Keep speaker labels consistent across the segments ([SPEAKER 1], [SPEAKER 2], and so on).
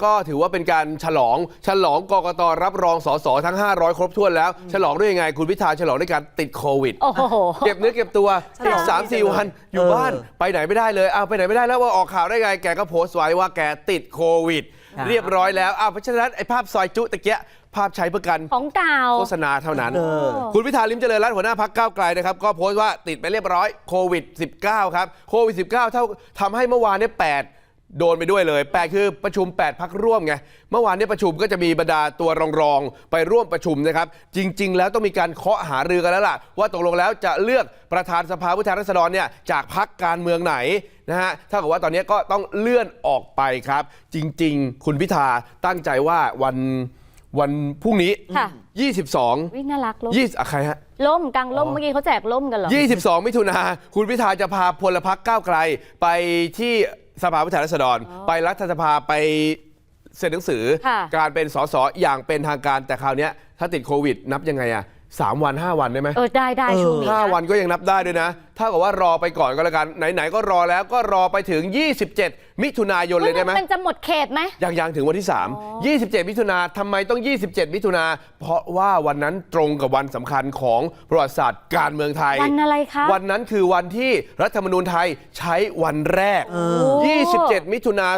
[SPEAKER 1] ก็ถือว่าเป็นการฉลองกกตรับรองสสทั้ง500ครบถ้วนแล้วฉลองด้วยยังไงคุณพิธาฉลองด้วยการติดโควิดเก็บเนื้อเก็บตัวอีก 3-4 วันอยู่บ้านไปไหนไม่ได้เลยไปไหนไม่ได้แล้วว่าออกข่าวได้ไงแกก็โพสต์ไว้ว่าแกติดโควิดเรียบร้อยแล้วเพราะฉะนั้นไอ้ภาพซอยจุตะเกียภาพใช้เพื่อกันของเก่าโฆษณาเท่านั้นคุณพิธาลิ้มเจริญรัตน์หัวหน้าพรรคก้าวไกลนะครับก็โพสต์ว่าติดไปเรียบร้อยโควิด -19 ครับโควิด -19 เท่าทำให้เมื่อวานนี้8โดนไปด้วยเลย8คือประชุม8พรรคร่วมไงเมื่อวานนี้ประชุมก็จะมีบรรดาตัวรองไปร่วมประชุมนะครับจริงๆแล้วต้องมีการเคาะหารือกันแล้วล่ะว่าตกลงแล้วจะเลือกประธานสภาผู้แทนราษฎรเนี่ยจากพรรคการเมืองไหนนะฮะถ้าเกิดว่าตอนนี้ก็ต้องเลื่อนออกไปครับจริงๆคุณพิธาตั้งใจว่าวันพรุ่งนี้22
[SPEAKER 2] วิ่งน่ารักล่ม
[SPEAKER 1] ใครฮะ
[SPEAKER 2] ล่มกลางล่มเมื่อกี้เขาแจกล่มกันเหรอ
[SPEAKER 1] 22มิถุนาคุณพิธาจะพาพลพรรคก้าวไกลไปที่สภาผู้แทนราษฎรไปรัฐสภาไปเซ็นหนังสือการเป็นสสอย่างเป็นทางการแต่คราวนี้ถ้าติดโควิดนับยังไง3 วัน5 วันได้ไหม
[SPEAKER 2] ได้ช่วงนี้
[SPEAKER 1] 5 วันก็ยังนับได้ด้วยนะถ้ากับว่ารอไปก่อนก็แล้วกันไหนๆก็รอแล้วก็รอไปถึง27มิถุนายนเลยได้ไหม
[SPEAKER 2] มันจะหมดเขตไหม
[SPEAKER 1] ยังถึงวันที่3 27มิถุนาทำไมต้อง27มิถุนาเพราะว่าวันนั้นตรงกับวันสำคัญของประวัติศาสตร์การเมืองไทย
[SPEAKER 2] วันอะไรคะ
[SPEAKER 1] วันนั้นคือวันที่รัฐธรรมนูญไทยใช้วันแรก27มิถุนา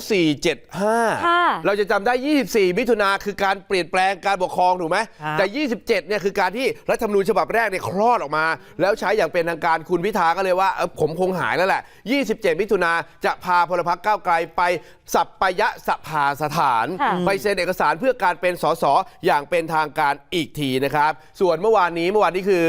[SPEAKER 1] 2475เราจะจำได้24มิถุนาคือการเปลี่ยนแปลงการปกครองถูกไหมแต่27เนี่ยคือการที่รัฐธรรมนูญฉบับแรกเนี่ยคลอดออกมาแล้วใช้อย่างเป็นทางการคุณพิธาก็เลยว่าผมคงหายแล้วแหละ27มิถุนาจะพาพลพรรคก้าวไกลไปสัปยสภาสถานไปเซ็นเอกสารเพื่อการเป็นสสอย่างเป็นทางการอีกทีนะครับส่วนเมื่อวานนี้คือ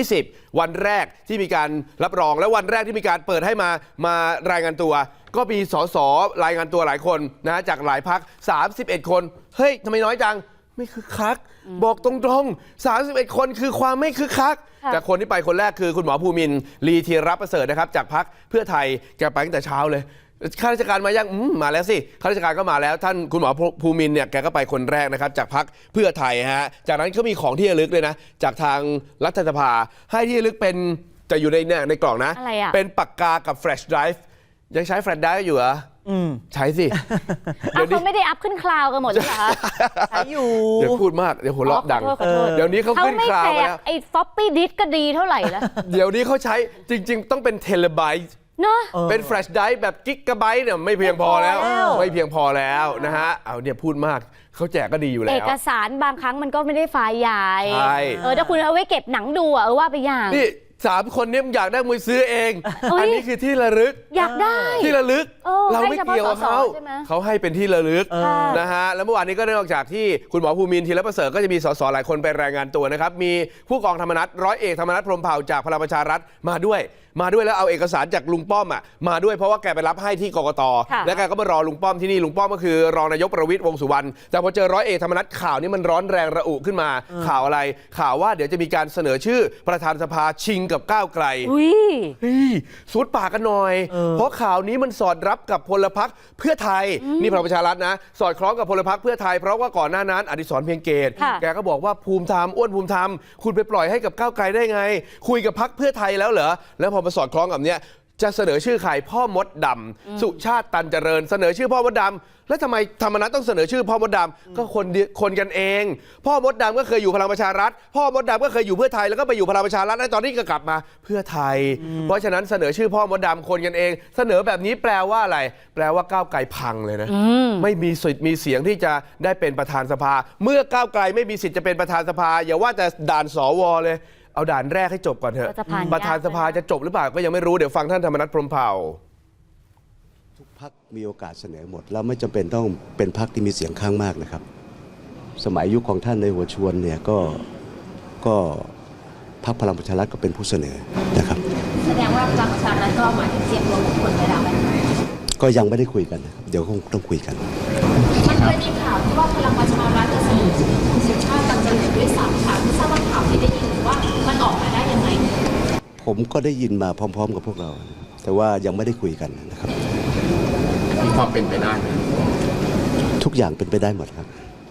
[SPEAKER 1] 20วันแรกที่มีการรับรองและวันแรกที่มีการเปิดให้มารายงานตัวก็มีสสรายงานตัวหลายคนนะจากหลายพรรค31คนเฮ้ยทำไมน้อยจังไม่คึกคักบอกตรงๆ31คนคือความไม่คึกคักแต่คนที่ไปคนแรกคือคุณหมอภูมินทร์ลีธีรประเสริฐนะครับจากพรรคเพื่อไทยแกไปตั้งแต่เช้าเลยข้าราชการมายังมาแล้วสิข้าราชการก็มาแล้วท่านคุณหมอภูมินทร์เนี่ยแกก็ไปคนแรกนะครับจากพรรคเพื่อไทยฮะจากนั้นก็มีของที่ระลึกเลยนะจากทางรัฐสภาให้ที่ระลึกเป็นจะอยู่ในกล่องนะเป็นปากกากับแฟลชไดรฟ์ยังใช้แฟลชไดรฟ์อยู่เหรอใช้สิ
[SPEAKER 2] เขาไม่ได้อัพขึ้นคลาวกันหมดเลยเหรอคะ
[SPEAKER 3] ใช้อยู่
[SPEAKER 1] เดี๋ยวพูดมากเดี๋ยวหัวเราะดังเดี๋ยวนี้เขาขึ้นคลาวแล้ว
[SPEAKER 2] ไอ้ฟอปปี้ดิสก็ดีเท่าไหร่แล้ว
[SPEAKER 1] เดี๋ยวนี้เขาใช้จริงๆต้องเป็นเทเลไบต์
[SPEAKER 2] เนาะ
[SPEAKER 1] เป็นแฟลชไดรฟ์แบบกิกะไบต์เนี่ยไม่เพียงพอแล้วไม่เพียงพอแล้วนะฮะเอาเนี่ยพูดมากเขาแจกก็ดีอยู่แล้ว
[SPEAKER 2] เอกสารบางครั้งมันก็ไม่ได้ไฟล์ใหญ่ถ้าคุณเอาไว้เก็บหนังดูว่าไปอย่าง
[SPEAKER 1] นี่3 คนนี้อยากได้มือซื้อเองอันนี้คือที่ระลึก
[SPEAKER 2] อยากได้
[SPEAKER 1] ที่ระลึกเราไม่เกี่ยวกับเขาให้เป็นที่ระลึกนะฮะแล้วเมื่อวานนี้ก็นอกจากที่คุณหมอภูมินทร์ธีรประเสริฐก็จะมีสสหลายคนไปรายงานตัวนะครับมีผู้กองธรรมนัสร้อยเอกธรรมนัสพรหมเผ่าจากพลังประชารัฐมาด้วยแล้วเอาเอกสารจากลุงป้อมมาด้วยเพราะว่าแกไปรับให้ที่กกต.แล้วแกก็มารอลุงป้อมที่นี่ลุงป้อมก็คือรองนายกประวิตรวงษ์สุวรรณแต่พอเจอร้อยเอกธรรมนัสข่าวนี้มันร้อนแรงระอุขึ้นมาข่าวอะไรข่าวว่าเดี๋ยวจะมีการเสนอชื่อประธานสภาชิงกับก้าวไกลสุดปากกันหน่อยเพราะข่าวนี้มันสอดรับกับพลพรรคเพื่อไทยนี่พลังประชารัฐนะสอดคล้องกับพลพรรคเพื่อไทยเพราะว่าก่อนหน้านั้นอดิศรเพียงเกตแกก็บอกว่าภูมิธรรมอ้วนภูมิธรรมคุณไปปล่อยให้กับก้าวไกลได้ไงคุยกับพรรคเพื่อไทยแล้วเหรอแล้วพอมาสอดคล้องกับเนี้ยจะเสนอชื่อใครพ่อมดดำสุชาติตันเจริญเสนอชื่อพ่อมดดำแล้วทำไมธรรมนัสต้องเสนอชื่อพ่อมดดำก็คนกันเองพ่อมดดำก็เคยอยู่พลังประชารัฐพ่อมดดำก็เคยอยู่เพื่อไทยแล้วก็ไปอยู่พลังประชารัฐแล้วตอนนี้ก็กลับมาเพื่อไทยเพราะฉะนั้นเสนอชื่อพ่อมดดำคนกันเองเสนอแบบนี้แปลว่าอะไรแปลว่าก้าวไกลพังเลยนะไม่มีสิทธิ์มีเสียงที่จะได้เป็นประธานสภาเมื่อก้าวไกลไม่มีสิทธิ์จะเป็นประธานสภาอย่าว่าแต่ด่านสวเลยเอาด่านแรกให้จบก่อนเถอะประธานสภาจะจบหรือเปล่าก็ยังไม่รู้เดี๋ยวฟังท่านธรรมนัสพรหมเผ่า
[SPEAKER 4] ทุกพรรคมีโอกาสเสนอหมดแล้วไม่จำเป็นต้องเป็นพรรคที่มีเสียงข้างมากนะครับสมัยยุคของท่านในหัวชวนเนี่ยก็พรรคพลังประชารัฐก็เป็นผู้เสนอนะครับ
[SPEAKER 2] แสดงว่าพลังประชารัฐก็หมายถึงเสียงรวมของคนไปแล้ว
[SPEAKER 4] ก็ยังไม่ได้คุยกันเดี๋ยวคงต้องคุยกัน
[SPEAKER 2] มันเคยมีข่าวที่ว่าพลังประชารัฐจะเสนอคุณสุชาติตันเจริญด้วยซ้ำค่ะไม่ทราบว่าข่าวที่ได้ยินว่ามันออกมาได้ยังไง
[SPEAKER 4] ผมก็ได้ยินมาพร้อมๆกับพวกเราแต่ว่ายังไม่ได้คุยกันนะครับ
[SPEAKER 1] มีความเป็นไปได้ไหม
[SPEAKER 4] ทุกอย่างเป็นไปได้หมดครับ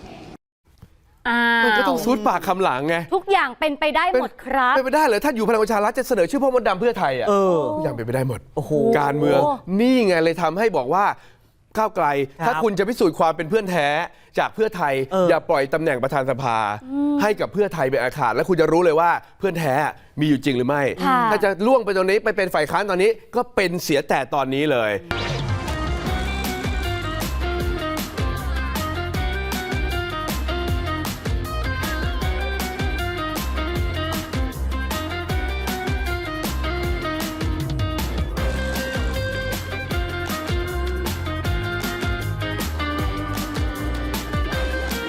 [SPEAKER 1] มันก็ต้องซูดปากคำหลังไง
[SPEAKER 2] ทุกอย่างเป็นไปได้หมดครับ
[SPEAKER 1] เป็นไปได้เหรอท่านอยู่พลังประชารัฐจะเสนอชื่อพ่อมดดำเพื่อไทยทุกอย่างเป็นไปได้หมดการเมืองนี่ไงเลยทำให้บอกว่าก้าวไกล ถ้าคุณจะพิสูจน์ความเป็นเพื่อนแท้จากเพื่อไทย อย่าปล่อยตำแหน่งประธานสภาให้กับเพื่อไทยเป็นอาขาดแล้วคุณจะรู้เลยว่าเพื่อนแท้มีอยู่จริงหรือไม่ ถ้าจะล่วงไปตรงนี้ไปเป็นฝ่ายค้านตอนนี้ก็เป็นเสียแต่ตอนนี้เลย